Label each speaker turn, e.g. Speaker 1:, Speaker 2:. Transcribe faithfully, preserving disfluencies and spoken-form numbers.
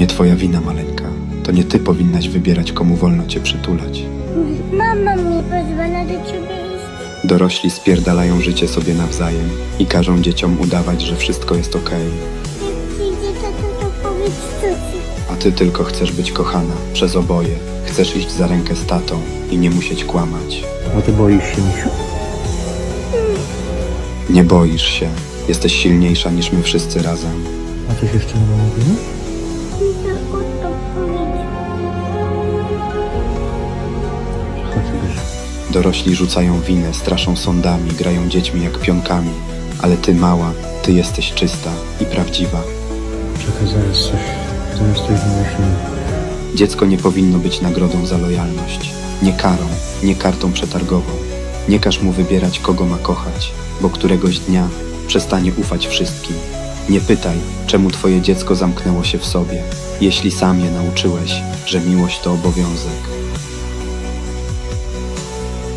Speaker 1: nie twoja wina, maleńka. To nie ty powinnaś wybierać, komu wolno cię przytulać.
Speaker 2: Mama mi pozwala do ciebie iść.
Speaker 1: Dorośli spierdalają życie sobie nawzajem i każą dzieciom udawać, że wszystko jest okej.
Speaker 2: Jak przyjdzie tata, to powiedz cuci.
Speaker 1: A ty tylko chcesz być kochana przez oboje. Chcesz iść za rękę z tatą i nie musieć kłamać.
Speaker 3: A ty boisz się, misiu?
Speaker 1: Nie boisz się. Jesteś silniejsza niż my wszyscy razem.
Speaker 3: A coś jeszcze mama mówiła?
Speaker 2: Tylko to powiedz.
Speaker 3: Chodź, bierz.
Speaker 1: Dorośli rzucają winę, straszą sądami, grają dziećmi jak pionkami. Ale ty, mała, ty jesteś czysta i prawdziwa.
Speaker 3: Czekaj, zaraz coś. Zaraz coś wymyślimy.
Speaker 1: Dziecko nie powinno być nagrodą za lojalność. Nie karą, nie kartą przetargową. Nie każ mu wybierać, kogo ma kochać, bo któregoś dnia przestanie ufać wszystkim. Nie pytaj, czemu twoje dziecko zamknęło się w sobie, jeśli sam je nauczyłeś, że miłość to obowiązek.